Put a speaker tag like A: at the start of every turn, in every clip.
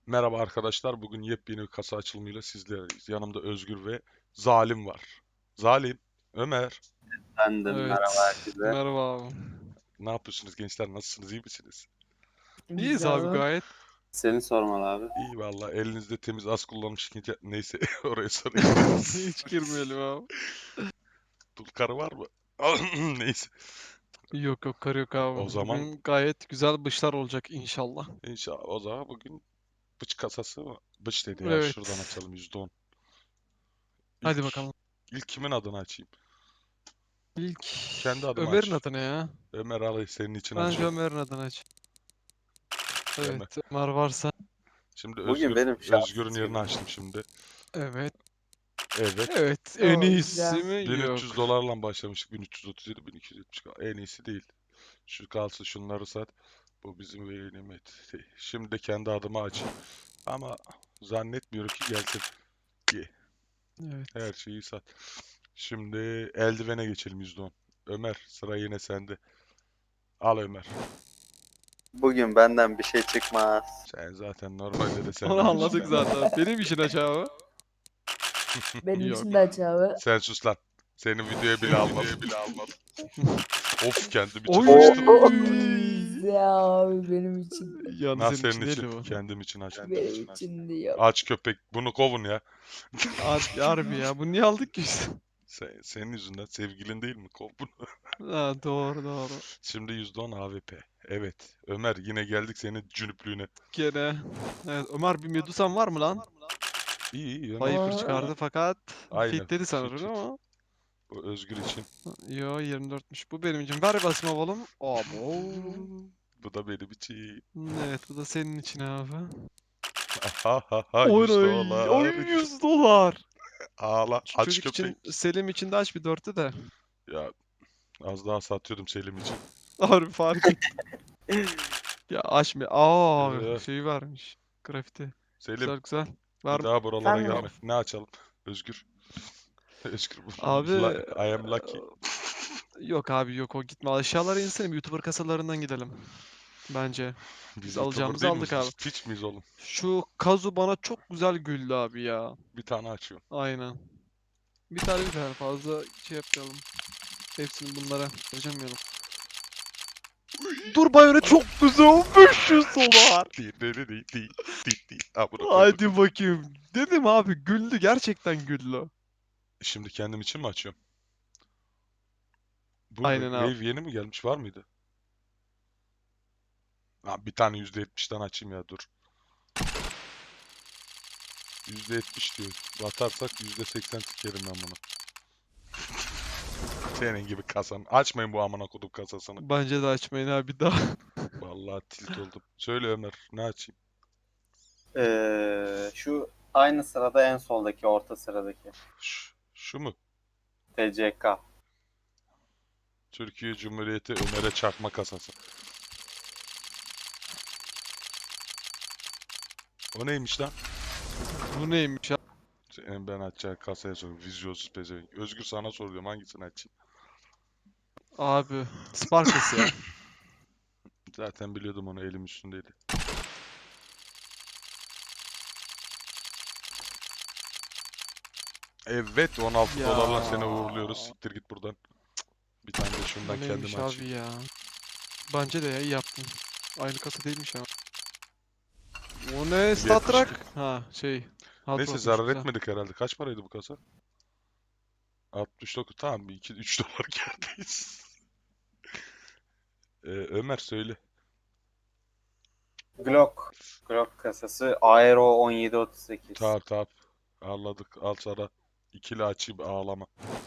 A: Merhaba arkadaşlar. Bugün yepyeni bir kasa açılımıyla sizlerleyiz. Yanımda Özgür ve Zalim var. Zalim, Ömer,
B: Efendim merhaba
C: Evet.
B: herkese.
C: Merhaba abi.
A: ne yapıyorsunuz gençler? Nasılsınız? İyi misiniz?
C: İyiyiz
D: Güzel
C: abi
D: abi.
C: gayet.
B: Seni sormalı abi.
A: İyi valla. Elinizde temiz az kullanmış ikinci... Neyse oraya sorayım.
C: Hiç girmeyelim abi.
A: Dul karı var mı? Neyse.
C: Yok yok kar yok abi.
A: O zaman
C: Bugün gayet güzel bışlar olacak inşallah.
A: inşallah o zaman bugün bıç kasası mı? Bıç dedi ya. Şuradan
C: Evet.
A: açalım %10.
C: Hadi
A: İlk,
C: bakalım.
A: ilk kimin adını açayım?
C: İlk
A: Kendi adımı
C: Ömer'in
A: aç.
C: adı ne ya?
A: Ömer Ali senin için
C: Bence
A: açıyorum.
C: Ömer'in adını aç.
A: Ömer.
C: Evet Ömer varsa.
A: Şimdi
B: Bugün benim
A: Özgür'ün
B: şanssız
A: yerini
B: günüm.
A: açtım şimdi.
C: Evet.
A: Evet.
C: Evet en
D: Oo,
C: iyisi
D: güzel.
C: mi?
A: 1300
C: Yok.
A: dolarla başlamıştık. 1337, 1270. En iyisi değil. Şu kalsın şunları sat. Bu bizim nimet. Şimdi de kendi adıma açayım. Ama zannetmiyorum ki gelsin. Ye.
C: Evet.
A: Her şeyi sat. Şimdi eldivene geçelim %10. Ömer sıra yine sende. Al Ömer.
B: Bugün benden bir şey çıkmaz.
A: Sen zaten normalde de
C: Onu
A: senden
C: anladık
A: çıkmaz.
C: zaten. Benim için aç abi.
D: Benim
C: Yok.
D: için de aç abi.
A: Sen sus lan. Senin videoya bile almadım. Of kendim için
C: Oy.
A: açtım.
D: Güzel abi benim için.
C: Yani
A: Nasıl
C: senin
A: senin
C: için değil
A: için?
C: bu.
A: Kendim için açtım.
D: Benim için diyor.
A: Aç köpek. Bunu kovun ya.
C: Harbi ya. Bunu niye aldık ki biz?
A: Senin yüzünden sevgilin değil mi? Kov bunu.
C: Ha, doğru doğru.
A: Şimdi %10 AWP. Evet. Ömer yine geldik senin cünüplüğüne.
C: Gene. Evet, Ömer bir Medusan var mı lan?
A: İyi iyi Ömer.
C: Viper
D: Aa.
C: çıkardı fakat
A: Aynen.
C: fitledi
A: Fit
C: sanırım
A: fit.
C: ama.
A: Bu Özgür için.
C: Yo 24'müş. Bu benim için. Ver basma oğlum. Abo.
A: Bu da benim için.
C: Evet bu da senin için abi.
A: Ha ha ha 100
C: Oy, oy
A: dolar.
C: 100 dolar.
A: Ağla.
C: Şu
A: Aç
C: çocuk
A: köpek.
C: için Selim için de aç bir dörtü de.
A: Ya az daha satıyordum Selim için.
C: Harbi fark et. Ya aç mı? Aa
A: Ee,
C: şey varmış. Grafiti.
A: Selim
C: Güzel güzel.
A: bir
C: Var mı?
A: daha buralara
D: Efendim
A: gelme.
D: abi.
A: Ne açalım? Özgür. Özgür.
C: Abi
A: I am lucky.
C: yok abi yok o gitme. Aşağılara insene YouTuber kasalarından gidelim. Bence.
A: Biz
C: Biz
A: YouTuber
C: alacağımızı
A: değil
C: aldık
A: miyiz?
C: abi.
A: Biz Twitch miyiz oğlum?
C: Şu Kazu bana çok güzel güldü abi ya.
A: Bir tane açıyorum.
C: Aynen. Bir tane fazla şey yapmayalım. Hepsini bunlara harcamayalım. Dur Bayonet çok güzel 500 dolar.
A: Amına koydum.
C: Hadi bakayım. Dedim abi güldü gerçekten güldü.
A: Şimdi kendim için mi açıyorum? Bu ne?
C: Aynen abi.
A: Wave yeni mi gelmiş? Var mıydı? Ha, bir tane %70'ten açayım ya dur. %70 diyor. Batarsak %80 sikerim ben bunu. Senin gibi kasan. Açmayın bu amına kodum kasasını.
C: Bence de açmayın abi daha.
A: Vallahi tilt oldum. Söyle Ömer, ne açayım?
B: Şu aynı sırada en soldaki orta sıradaki.
A: Şu mu?
B: TCK.
A: Türkiye Cumhuriyeti Ömer'e çarpma kasası. O neymiş lan?
C: Bu neymiş ya?
A: Senin ben açacağım kasaya soruyorum. Vizyonsuz pezevenk. Özgür sana soruyorum hangisini açayım?
C: Abi Sparkles ya.
A: Zaten biliyordum onu elim üstündeydi. Evet 16
C: Ya.
A: dolarla seni uğurluyoruz. Siktir git buradan. Bir tane de
C: Bu
A: şundan
C: neymiş
A: kendime
C: abi
A: açayım.
C: ya. Bence de ya iyi yaptın. Aynı kasa değilmiş ama. O ne? Star
A: 72.
C: Trek? Ha şey. Hard
A: Neyse
C: Rock'muş
A: zarar
C: güzel.
A: etmedik herhalde. Kaç paraydı bu kasa? 69. Tamam bir 2-3 dolar kârdayız. Ömer söyle.
B: Glock. Glock kasası Aero 1738.
A: Tamam tamam. Anladık. Al sana. İkili açayım ağlama.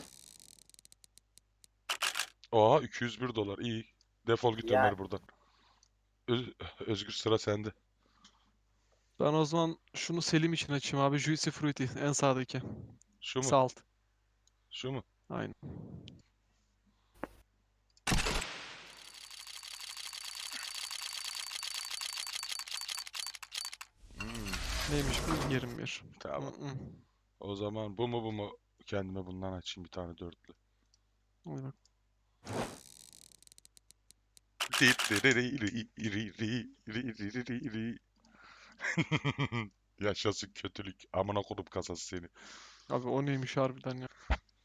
A: Oha 201 dolar. İyi. Defol git
B: Yani
A: Ömer buradan. Özgür sıra sende.
C: Ben o zaman şunu Selim için açayım abi. Juicy Fruity en sağdaki.
A: Şu mu?
C: Salt.
A: Şu mu?
C: Aynen.
A: Hmm,
C: Neymiş bu? 21.
A: tamam.
C: Mm-mm.
A: O zaman bu mu bu mu? Kendime bundan açayım bir tane dörtlü.
C: Hadi bak.
A: Yaşasın kötülük. Amına kodup kasası seni.
C: Abi o neymiş harbiden ya.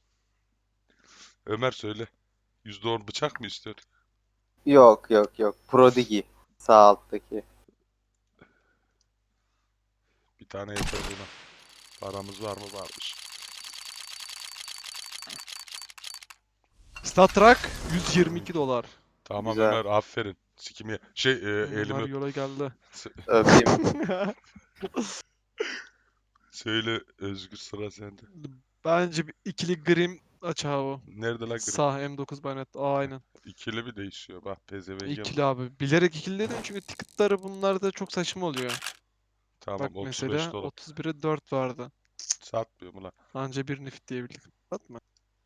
A: Ömer söyle. %10 bıçak mı istiyor?
B: Yok yok yok. Prodigy. Sağ alttaki.
A: Bir tane yeter buna. Paramız var mı? Varmış.
C: Star Trek 122 dolar.
A: Tamam
B: Güzel.
A: Ömer aferin. Sikimi elimi
C: Ömer
A: öp.
C: yola geldi.
B: Öpeyim.
A: Söyle Özgür sıra sende.
C: Bence bir ikili Grim aç abi.
A: Nerede la gri?
C: Sağ M9 bayonet. Aynen.
A: İkili bir değişiyor. Bak pezevenge bak.
C: İkili abi. Bilerek ikili dedim çünkü ticketları bunlarda çok saçma oluyor.
A: Tamam
C: Bak
A: 35
C: mesela
A: dolar.
C: 31'e 4 vardı.
A: Satmıyorum ulan.
C: Anca bir nifit diyebildik. Atma.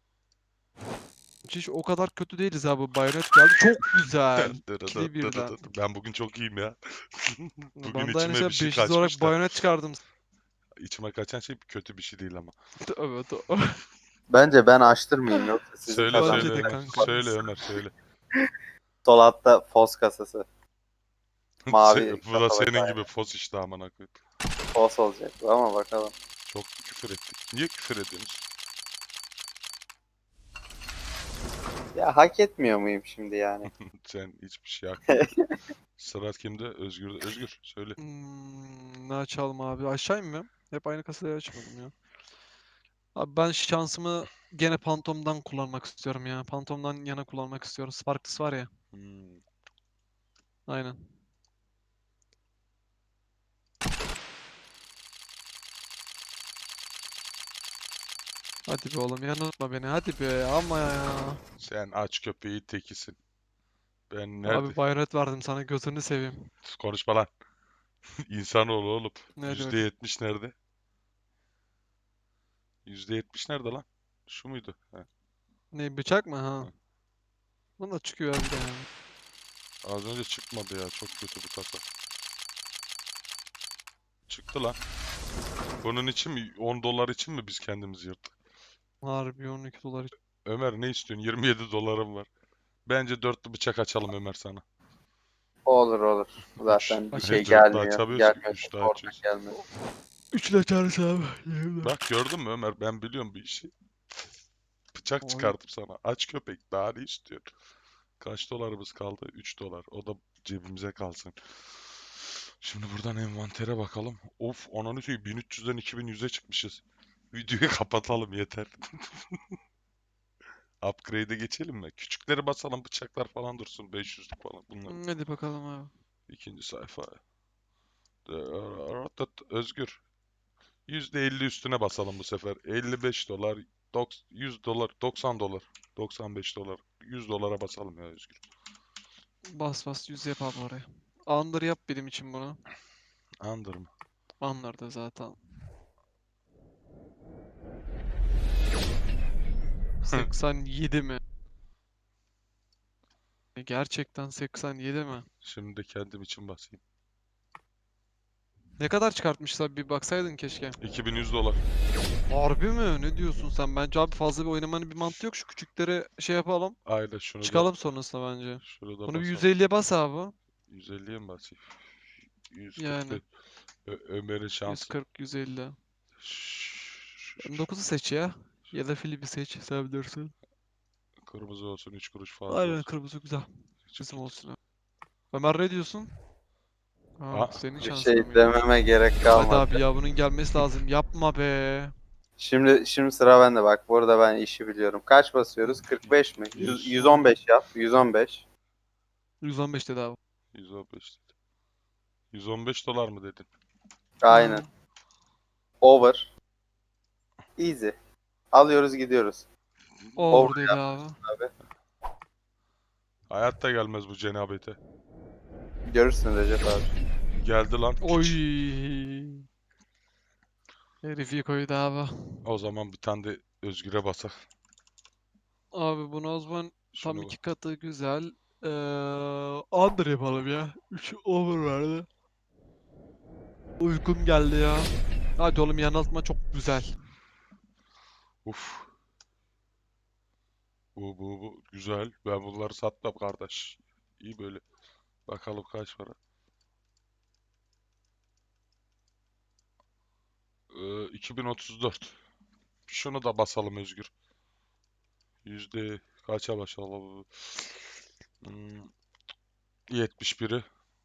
C: Hiç o kadar kötü değiliz abi. Bayonet geldi. Çok güzel. İkili birden.
A: Ben bugün çok iyiyim ya. Bugün
C: Ben de aynı
A: içime bir
C: şey
A: şey
C: 500 olarak
A: kaçmış da.
C: bayonet çıkardım.
A: İçime kaçan şey kötü bir şey değil ama.
C: Tövbe tövbe.
B: Bence ben açtırmayayım yoksa sizin
A: Söyle
C: Bence
A: söyle
C: de
A: Ömer.
C: kanka.
A: Söyle Ömer söyle.
B: Sol altta fos kasası. Mavi
A: Bu da
B: kafalı
A: senin gibi fos işte amına koyayım.
B: fos olacak bu ama bakalım.
A: Çok küfür ettik. Niye küfür ediyorsunuz?
B: Ya hak etmiyor muyum şimdi yani?
A: Sen hiçbir şey yapmıyorsun. Sıra kimde? Özgür'de. Özgür söyle.
C: Ne açalım abi? Aşağı inmiyorum. Hep aynı kasayı açmadım ya. Abi ben şansımı gene Phantom'dan kullanmak istiyorum ya. Phantom'dan yana kullanmak istiyorum. Sparkless var ya.
A: Hmm.
C: Aynen. Hadi be oğlum yanıltma beni. Hadi be ama ya.
A: Sen aç köpeği tekisin. Ben nerede?
C: Abi bayonet verdim sana gözünü seveyim.
A: Konuşma lan. İnsanoğlu oğlum.
C: Ne diyor?
A: %70 nerede? %70 nerede lan? Şu muydu? He.
C: Ne bıçak mı ha?
A: Hı.
C: Bunda çıkıyor abi de yani.
A: Az önce çıkmadı ya. Çok kötü bu kasa. Çıktı lan. Bunun için mi? 10 dolar için mi biz kendimizi yırttık?
C: Harbi 12 dolar.
A: Ömer ne istiyorsun? 27 dolarım var. Bence dörtlü bıçak açalım Ömer sana.
B: Olur olur.
A: Üç.
B: Zaten bir şey
A: Dörtlü
B: gelmiyor.
A: açamıyorsun.
B: Gelmiyor.
A: Üçlü
B: Oradan
A: açıyorsun.
B: gelmiyor.
C: Üçlü açarız abi.
A: Bak gördün mü Ömer? Ben biliyorum bir işi. Bıçak
C: Oy.
A: çıkardım sana. Aç köpek. Daha ne istiyorsun? Kaç dolarımız kaldı? 3 dolar. O da cebimize kalsın. Şimdi buradan envantere bakalım. Of, ananı söyleyeyim 1300'den 2100'e çıkmışız. Videoyu kapatalım yeter. Upgrade'e geçelim mi? Küçükleri basalım, bıçaklar falan dursun. 500'lük falan bunlar.
C: Hadi bakalım abi.
A: İkinci sayfa. Özgür. %50 üstüne basalım bu sefer. 55 dolar, 100 dolar, 90 dolar, 95 dolar, 100 dolara basalım ya Özgür.
C: Bas bas 100 yap abi oraya. Under yap benim için bunu.
A: Andır mı?
C: Under da zaten. 87 mi? Gerçekten 87 mi?
A: Şimdi de kendim için basayım.
C: Ne kadar çıkartmışlar bir baksaydın keşke.
A: 2100 dolar.
C: Harbi mi? Ne diyorsun sen? Bence abi fazla bir oynamanın bir mantığı yok. Şu küçükleri şey yapalım.
A: Aynen şunu da
C: Çıkalım sonrasında bence.
A: şunu da
C: Bunu bir
A: basalım.
C: 150'ye bas abi.
A: 150'ye mi basayım? 140
C: Yani
A: Ömer'in şansı.
C: 140 150.
A: Şu
C: 9'u seç ya. Ya da Filip'i seç. Sen bilirsin.
A: kırmızı olsun 3 kuruş fazla
C: Aynen
A: olsun.
C: kırmızı güzel.
A: Çık
C: Bizim
A: git.
C: olsun. Ya. Ömer ne diyorsun? Ha,
A: Aa,
C: senin
B: Bir
C: şansın
B: şey
C: mıydı?
B: dememe gerek
C: Hadi
B: kalmadı.
C: abi ya bunun gelmesi lazım. Yapma be.
B: Şimdi sıra bende bak. Bu arada ben işi biliyorum. Kaç basıyoruz? 45 mi? 115 yap. 115.
C: 115 dedi abi.
A: 115 dedi. 115 dolar mı dedin?
B: Aynen.
C: Ha,
B: Over. Easy. Alıyoruz gidiyoruz.
C: over dedi abi.
B: Abi.
A: Hayatta gelmez bu cenabete.
B: Görürsün Recep abi.
A: Geldi lan
C: Oy.
A: piç.
C: Herif koydu abi.
A: O zaman bir tane de Özgür'e basak.
C: Abi bunu o zaman tam
A: Şunu
C: iki katı güzel. Under yapalım ya. 3 over verdi. Uykum geldi ya. Hadi oğlum yanıltma çok güzel.
A: uf. Bu güzel. Ben bunları satmam kardeş. İyi böyle. Bakalım kaç para. 2034. Şunu da basalım Özgür. Yüzde kaça basalım? 71'i.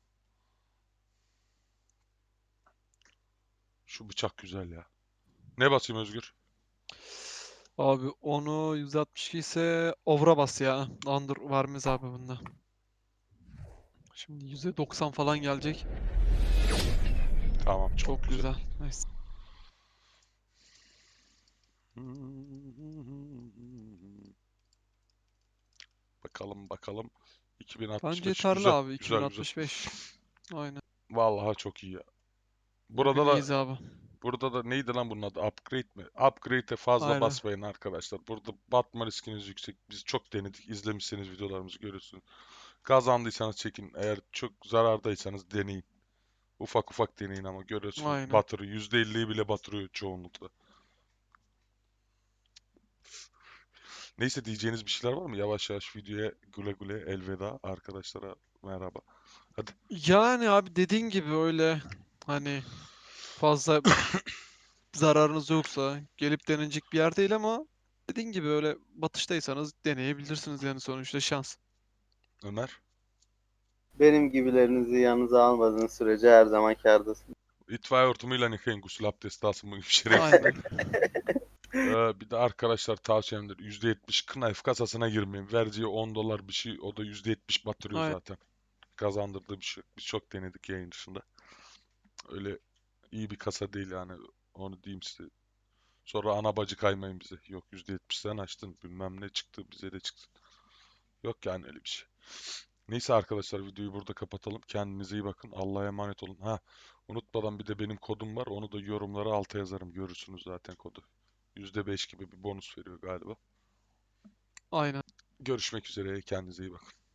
A: Şu bıçak güzel ya. Ne basayım Özgür?
C: Abi onu 162 ise over'a bas ya. Under vermez abi bunda. Şimdi %90 falan gelecek.
A: Tamam, çok
C: Çok
A: güzel.
C: güzel. Nice.
A: Bakalım bakalım.
C: Bence
A: 2065
C: yeterli
A: güzel
C: abi.
A: güzel güzel.
C: 2065. Aynen.
A: Vallahi çok iyi ya.
C: Bugün
A: Burada da
C: iyiyiz abi.
A: burada da neydi lan bunun adı? Upgrade mi? Upgrade'e fazla
C: Aynen.
A: basmayın arkadaşlar. Burada batma riskiniz yüksek. Biz çok denedik. İzlemişseniz videolarımızı görürsünüz. Kazandıysanız çekin. Eğer çok zarardaysanız deneyin. Ufak ufak deneyin ama görüyorsunuz
C: Aynen.
A: batırıyor. %50'yi bile batırıyor çoğunlukla. Neyse diyeceğiniz bir şeyler var mı? Yavaş yavaş videoya güle güle elveda arkadaşlara merhaba. Hadi.
C: Yani abi dediğin gibi öyle hani fazla zararınız yoksa gelip denenecek bir yer değil ama dediğin gibi öyle batıştaysanız deneyebilirsiniz yani sonuçta şans.
A: Ömer.
B: Benim gibilerinizi yanınıza almadığınız sürece her zaman kârdasın.
A: İtfaiye hortumuyla yıkayın, gusül abdesti alsın bu gibi şerefsiz.
C: Aynen.
A: Bir de arkadaşlar tavsiyemdir. %70 knife kasasına girmeyin. Vereceği $10 bir şey, o da %70 batırıyor
C: Aynen.
A: zaten. Kazandırdığı bir şey. Biz çok denedik yayın dışında. Öyle iyi bir kasa değil yani. Onu diyeyim size. Sonra ana bacı kaymayın bize. Yok %70'den açtın bilmem ne çıktı bize de çıktı. Yok yani öyle bir şey. Neyse arkadaşlar videoyu burada kapatalım. Kendinize iyi bakın. Allah'a emanet olun. Ha, unutmadan bir de benim kodum var. Onu da yorumlara alta yazarım. Görürsünüz zaten kodu. %5 gibi bir bonus veriyor galiba.
C: Aynen.
A: Görüşmek üzere. Kendinize iyi bakın.